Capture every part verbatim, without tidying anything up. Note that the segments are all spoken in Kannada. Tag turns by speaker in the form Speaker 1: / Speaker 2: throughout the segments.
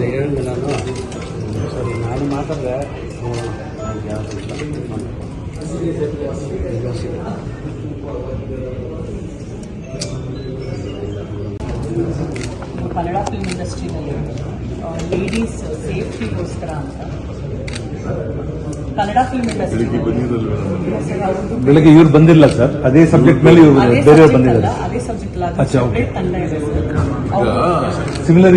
Speaker 1: ಹೇಳಿದೆ ನಾನು ಸರಿ ನಾನು ಮಾತಾಡಿದೆ
Speaker 2: ಕನ್ನಡ ಫಿಲ್ಮ್ ಇಂಡಸ್ಟ್ರಿನಲ್ಲಿ ಲೇಡೀಸ್ ಸೇಫ್ಟಿಗೋಸ್ಕರ ಅಂತ ಕನ್ನಡ ಫಿಲ್ಮ್ ಇಂಡಸ್ಟ್ರಿ
Speaker 3: ಬೆಳಗ್ಗೆ ಇವ್ರು ಬಂದಿಲ್ಲ ಸರ್, ಅದೇ ಸಬ್ಜೆಕ್ಟ್ ಮೇಲೆ ಇವರು ಬೇರೆ ಬಂದಿದ್ದಾರೆ.
Speaker 2: ಅದೇ ಸಬ್ಜೆಕ್ಟ್ ತಂಡ ಇದೆ ಸರ್.
Speaker 3: ಸಿಮಿಲರ್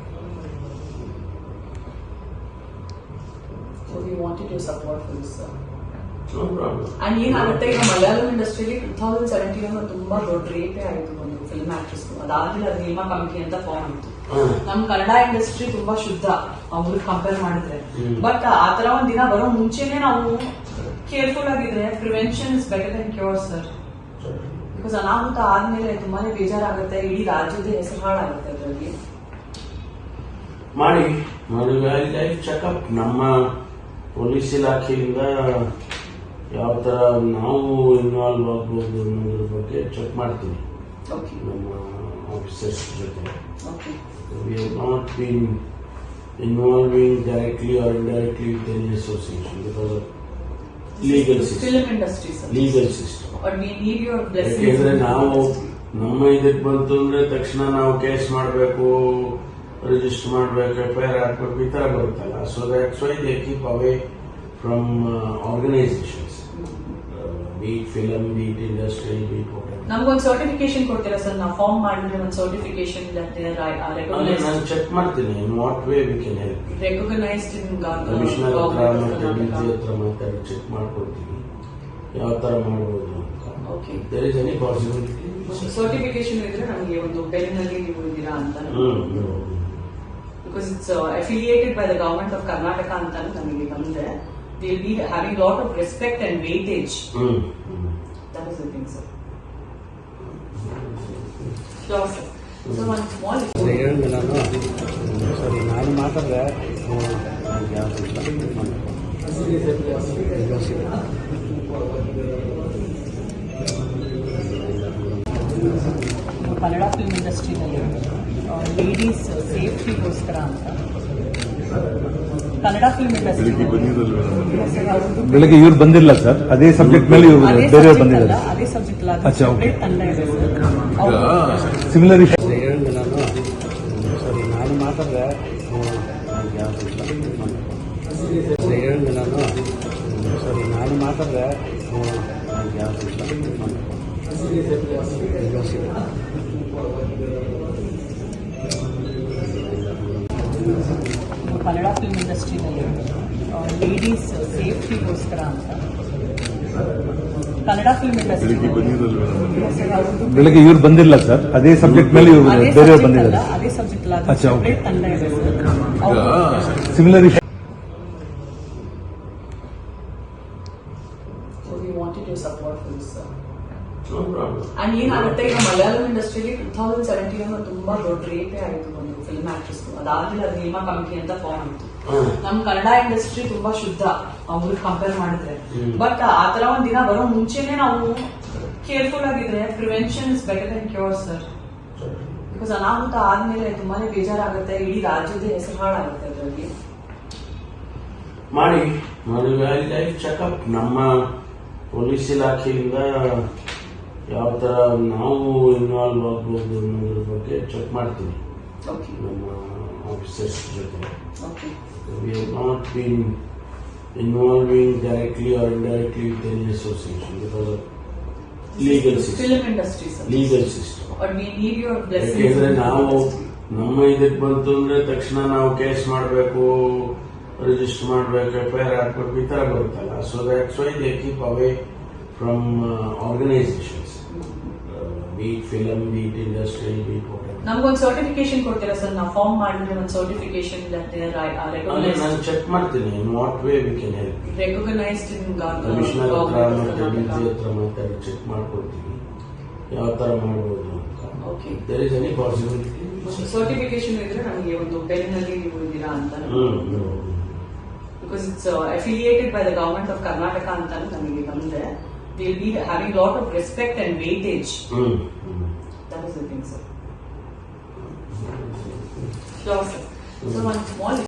Speaker 2: ಅಂಡ್ ಏನಾಗುತ್ತೆ ಈಗ ಮಲಯಾಳಂ ಇಂಡಸ್ಟ್ರಿಯಲ್ಲಿ ಟೂ ತೌಸಂಡ್ ಸೆವೆಂಟೀನ್ ಅಲ್ಲಿ ತುಂಬಾ ದೊಡ್ಡ ರೇಪೇ ಆಯಿತು ಒಂದು ಫಿಲ್ಮ್ ಆಕ್ಟ್ರೆಸ್. ಅದಾದ್ಮೇಲೆ ಅದು ನಿಯಮ ಕಮಿಟಿ ಅಂತ ಫಾರ್ಮ್ ಆಯಿತು. ನಮ್ ಕನ್ನಡ ಇಂಡಸ್ಟ್ರಿ ತುಂಬಾ ಶುದ್ಧ ಅವ್ರಿಗೆ ಕಂಪೇರ್ ಮಾಡಿದ್ರೆ. ಬಟ್ ಆತರ ಒಂದ್ ದಿನ ಬರೋ ಮುಂಚೆನೆ ನಾವು ಕೇರ್ಫುಲ್ ಆಗಿದ್ರೆ prevention is better than cure sir. Because ಅನಾಹುತ ಆದ್ಮೇಲೆ ತುಂಬಾನೇ ಬೇಜಾರಾಗುತ್ತೆ, ಇಡೀ ರಾಜ್ಯದ ಹೆಸರು ಹಾಳಾಗುತ್ತೆ ಅದರಲ್ಲಿ.
Speaker 4: ಮಾಡಿ ಮಾಡಿ ಚೆಕಪ್ ನಮ್ಮ ಪೊಲೀಸ್ ಇಲಾಖೆಯಿಂದ ಯಾವ ತರ ನಾವು ಇನ್ವಾಲ್ವ್ ಆಗ್ಬೋದು ಅನ್ನೋದ್ರ ಬಗ್ಗೆ ಚೆಕ್ ಮಾಡ್ತೀವಿ ನಮ್ಮ ಆಫೀಸರ್ಸ್ ಜೊತೆ. We have not been involving directly or indirectly with any association because of legal system legal system ಯಾಕೆಂದ್ರೆ ನಾವು ನಮ್ಮ ಇದಕ್ಕೆ ಬಂತು ಅಂದ್ರೆ ತಕ್ಷಣ ನಾವು ಕೇಸ್ ಮಾಡಬೇಕು, ರಿಜಿಸ್ಟರ್ ಮಾಡಬೇಕು, ಎಫ್ ಐ ಆರ್ ಹಾಕ್ಬೇಕು, ಈ ತರ ಬರುತ್ತಲ್ಲ. So that's why they keep away from organisations, be it film, be it industry, be it
Speaker 2: ನಮ್ಗೊಂದು ಸರ್ಟಿಫಿಕೇಶನ್ ಕೊಡ್ತೀರಾ ಸರ್? ನಾವು ಫಾರ್ಮ್ ಮಾಡಿದ್ರೆ ಒಂದು ಸರ್ಟಿಫಿಕೇಶನ್
Speaker 4: ನಾನು ಚೆಕ್ ಮಾಡ್ತೀನಿ in what way we can help.
Speaker 2: Recognised in
Speaker 4: commissioner ಹತ್ರ ಮತ್ತೆ ಡಿಜಿ ಹತ್ರ ಮಾತಾಡಿ ಚೆಕ್ ಮಾಡ್ಕೊಡ್ತೀವಿ ಯಾವ ತರ ಮಾಡಬಹುದು ಅಂತ. There is any possibility.
Speaker 2: Certification ಇದ್ರೆ ನಮಗೆ ಒಂದು ಬೆನ್ನಲ್ಲಿ ನೀವು ಇದ್ದೀರಾ ಅಂತ, because it's affiliated by the government of Karnataka ಅಂತ ನಮಗೆ ಬಂದ್ರೆ they'll be having a lot of respect and weightage. Mm. That is the thing, sir. Sure, sir. So one small
Speaker 1: ಹೇಳಿದೆ ನಾನು ಸರಿ ನಾನು ಮಾತಾಡಿದೆ
Speaker 2: ಕನ್ನಡ ಫಿಲ್ಮ್ ಇಂಡಸ್ಟ್ರಿನಲ್ಲಿ ಲೇಡೀಸ್ ಸೇಫ್ಟಿಗೋಸ್ಕರ ಅಂತ ಕನ್ನಡ ಫಿಲ್ಮ್ ಇಂಡಸ್ಟ್ರಿ
Speaker 3: ಬೆಳಗ್ಗೆ ಇವ್ರು ಬಂದಿಲ್ಲ ಸರ್, ಅದೇ ಸಬ್ಜೆಕ್ಟ್ ಮೇಲೆ ಇವರು ಬೇರೆ ಬಂದಿದ್ದಾರೆ.
Speaker 2: ಅದೇ ಸಬ್ಜೆಕ್ಟ್ ತಂಡ ಇದೆ ಸರ್.
Speaker 3: ಸಿಮಿಲರ್
Speaker 1: ಹೇಳಿದೆ ನಾನು ಸರಿ ನಾನು ಮಾತಾಡಿದೆ ಹೇಳಿದೆ ನಾನು ಸರಿ ನಾನು ಮಾತಾಡಿದೆ
Speaker 2: ಕನ್ನಡ ಫಿಲ್ಮ್ ಇಂಡಸ್ಟ್ರಿನಲ್ಲಿ ಲೇಡೀಸ್ ಸೇಫ್ಟಿಗೋಸ್ಕರ ಅಂತ ಕನ್ನಡ ಫಿಲ್ಮ್ ಇಂಡಸ್ಟ್ರಿ
Speaker 3: ಬೆಳಗ್ಗೆ ಇವ್ರು ಬಂದಿಲ್ಲ ಸರ್, ಅದೇ ಸಬ್ಜೆಕ್ಟ್ ಮೇಲೆ ಇವರು ಬೇರೆ ಬಂದಿದ್ದಾರೆ.
Speaker 2: ಅದೇ ಸಬ್ಜೆಕ್ಟ್ ತಂಡ ಇದೆ ಸರ್.
Speaker 3: ಸಿಮಿಲರ್
Speaker 2: ಅಂಡ್ ಏನಾಗುತ್ತೆ ಈಗ ಮಲಯಾಳಂ ಇಂಡಸ್ಟ್ರಿಯಲ್ಲಿ ಟೂ ತೌಸಂಡ್ ಸೆವೆಂಟೀನ್ ಅಲ್ಲಿ ತುಂಬಾ ದೊಡ್ಡ ರೇಪೇ ಆಯಿತು ಒಂದು ಫಿಲ್ಮ್ ಆಕ್ಟ್ರೆಸ್. ಅದಾದ್ಮೇಲೆ ಅದು ನಿಯಮ ಕಮಿಟಿ ಅಂತ ಫಾರ್ಮ್ ಆಯಿತು. ನಮ್ ಕನ್ನಡ ಇಂಡಸ್ಟ್ರಿ ತುಂಬಾ ಶುದ್ಧ ಅವ್ರಿಗೆ ಕಂಪೇರ್ ಮಾಡಿದ್ರೆ. ಬಟ್ ಆತರ ಒಂದ್ ದಿನ ಬರೋ ಮುಂಚೆನೆ ನಾವು ಕೇರ್ಫುಲ್ ಆಗಿದ್ರೆ prevention is better than cure sir. Because ಅನಾಹುತ ಆದ್ಮೇಲೆ ತುಂಬಾನೇ ಬೇಜಾರಾಗುತ್ತೆ, ಇಡೀ ರಾಜ್ಯದ ಹೆಸರು ಹಾಳಾಗುತ್ತೆ ಅದರಲ್ಲಿ.
Speaker 4: ಮಾಡಿ ಮಾಡಿ ಚೆಕಪ್ ನಮ್ಮ ಪೊಲೀಸ್ ಇಲಾಖೆಯಿಂದ ಯಾವ ತರ ನಾವು ಇನ್ವಾಲ್ವ್ ಆಗ್ಬೋದು ಅನ್ನೋದ್ರ ಬಗ್ಗೆ ಚೆಕ್ ಮಾಡ್ತೀವಿ ನಮ್ಮ ಆಫೀಸರ್ಸ್ ಜೊತೆ. We have not been involving directly or indirectly with any association because of legal system legal system ಯಾಕೆಂದ್ರೆ ನಾವು ನಮ್ಮ ಇದಕ್ಕೆ ಬಂತು ಅಂದ್ರೆ ತಕ್ಷಣ ನಾವು ಕೇಸ್ ಮಾಡಬೇಕು, ರಿಜಿಸ್ಟರ್ ಮಾಡಬೇಕು, ಎಫ್ ಐ ಆರ್ ಹಾಕ್ಬೇಕು, ಈ ತರ ಬರುತ್ತಲ್ಲ. So that's why they keep away from organisations, be it film, be it industry, be it
Speaker 2: ನಮ್ಗೊಂದು ಸರ್ಟಿಫಿಕೇಶನ್ ಕೊಡ್ತೀರಾ ಸರ್? ನಾವು ಫಾರ್ಮ್ ಮಾಡಿದ್ರೆ ಒಂದು ಸರ್ಟಿಫಿಕೇಶನ್
Speaker 4: ನಾನು ಚೆಕ್ ಮಾಡ್ತೀನಿ in what way we can help.
Speaker 2: Recognised in
Speaker 4: commissioner ಹತ್ರ ಮತ್ತೆ ಡಿಜಿ ಹತ್ರ ಮಾತಾಡಿ ಚೆಕ್ ಮಾಡ್ಕೊಡ್ತೀವಿ ಯಾವ ತರ ಮಾಡಬಹುದು ಅಂತ. There is any possibility.
Speaker 2: Certification ಇದ್ರೆ ನಮಗೆ ಒಂದು ಬೆನ್ನಲ್ಲಿ ನೀವು ಇದ್ದೀರಾ ಅಂತ, because it's affiliated by the government of Karnataka ಅಂತ ನಮಗೆ ಬಂದ್ರೆ they'll be having a lot of respect and weightage. That is the thing, sir. Sure, sir. So ಒಂದು ಸ್ಮಾಲ್